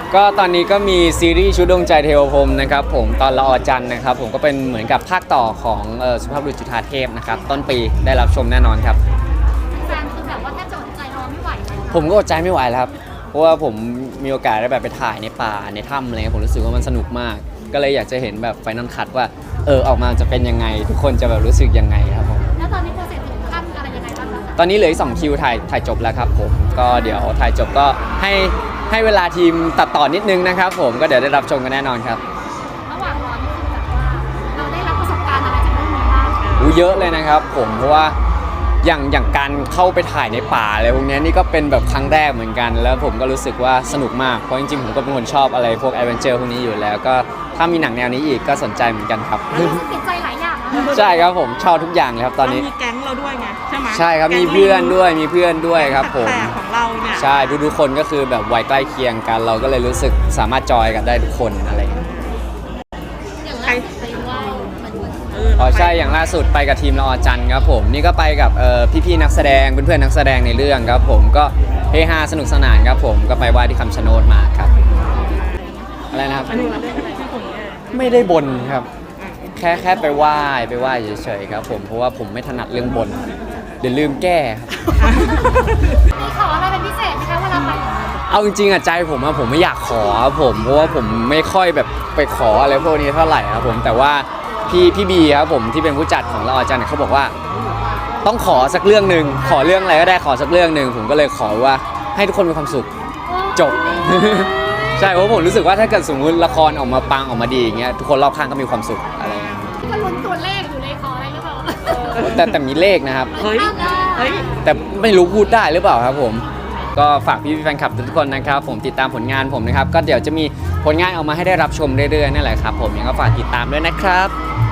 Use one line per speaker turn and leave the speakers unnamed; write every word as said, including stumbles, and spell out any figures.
ก็ตอนนี้ก็มีซีรีส์ชุดดวงใจเทวพรหมนะครับผมตอนละออจันทร์นะครับผมก็เป็นเหมือนกับภาคต่อของเอ่อสุภาพบุรุษจุฑาเทพนะครับต้นปีได้รับชมแน่นอนครับ
แฟนคือแบบว่าแทบจะอดใจรอไม่ไหวแล้ว
ผมก็อดใจไม่ไหวแล้วครับเพราะว่าผมมีโอกาสได้แบบไปถ่ายในป่าในถ้ำอะไรเงี้ยผมรู้สึกว่ามันสนุกมาก ก็เลยอยากจะเห็นแบบไฟนอลคัทว่าเออออกมาจะเป็นยังไง ทุกคนจะแบบรู้สึกยังไงครับผม
แล้วตอนนี้โปรเซสถึงขั้นอะไรยังไงบ้างคะ
ตอนนี้เหลืออีกสองคิวถ่ายถ่ายจบแล้วครับผมก็เดี๋ยวถ่ายจบก็ให้ให้เวลาทีมตัดต่อนิดนึงนะครับผมก็เดี๋ยวได้รับชมกันแน่นอนครับ
ระหว่างรอนี่คือแบบว่าเราได้รับประสบการณ์อะไรจากเรื่องนี้บ้าง
อู้เยอะเลยนะครับผมเพราะว่าอย่างอย่างการเข้าไปถ่ายในป่าอะไรพวกนี้นี่ก็เป็นแบบครั้งแรกเหมือนกัน แล้วผมก็รู้สึกว่าสนุกมากเพราะจริงๆผมก็เป็นคนชอบอะไรพวกแอดเวนเจอร์พวกนี้อยู่แล้วก็ถ้ามีหนังแนวนี้อีกก็สนใจเหมือนกันครับ
แล้วรู้สึกติดใจหลายอย่างนะ
ใช่ครับผมชอบทุกอย่างเลยครับตอนนี้
มีแก๊งเราด้วยไงใช่ไหม
ใช่ครับ
แก๊ง
มีเพื่อนด้วยมีเพื่อนด้วยครับผม
แต่ของเราเนี่ย
ใช่ทุกๆคนก็คือแบบวัยใกล้เคียงกัน เราก็เลยรู้สึกสามารถจอยกันได้ทุกคนอะไรอย่างเงี้ย
อย่างแรกไปไหว้มันเหมือน
เออ
อ๋อ
เราไป
ใช่อย่างล่าสุดไปกับทีมละออจันทร์ครับผมนี่ก็ไปกับเอ่อพี่ๆนักแสดงเพื่อนๆนักแสดงในเรื่องครับผมก็เฮฮาสนุกสนานครับผมก็ไปไหว้ที่คำชะโนดมาครับอะไรนะครับ
อันนี้เราเล่นอะไรที่ผมเนี่ย
ไม่ได้บนครับ แค่แค่ไปไหว้ไปไหว้เฉยๆครับผมเพราะว่าผมไม่ถนัดเรื่องบนเดี๋ยวลืมแก้ครับ
มีขออะไรเป็นพิเศษไหมคะเวลาไป
เอาจริงๆอะใจผมอะผมไม่อยากขอครับผมเพราะว่าผมไม่ค่อยแบบไปขออะไรพวกนี้เท่าไหร่ครับผมแต่ว่าพี่พี่บีครับผมที่เป็นผู้จัดของเราอาจารย์เขาบอกว่า ต้องขอสักเรื่องหนึ่งขอเรื่องอะไรก็ได้ขอสักเรื่องหนึ่งผมก็เลยขอว่าให้ทุกคนมีความสุข จบ ใช่เพราะผมรู้สึกว่าถ้าเกิดสมมติละครออกมาปังออกมาดีอย่างเงี้ยทุกคนรอบข้างก็มีความสุขอะไรเงี้ย
ก็ลุ้นตัวเลขอยู่ในขออะไรหรือเปล่า
แต่แต่มีเลขนะครับ
เฮ้ยเฮ้ย
แต่ไม่รู้พูดได้หรือเปล่าครับผม ก็ฝากพี่แฟนคลับทุกคนนะครับผมติดตามผลงานผมนะครับก็เดี๋ยวจะมีผลงานออกมาให้ได้รับชมเรื่อยๆนั่นแหละครับผมยังก็ฝากติดตามด้วยนะครับ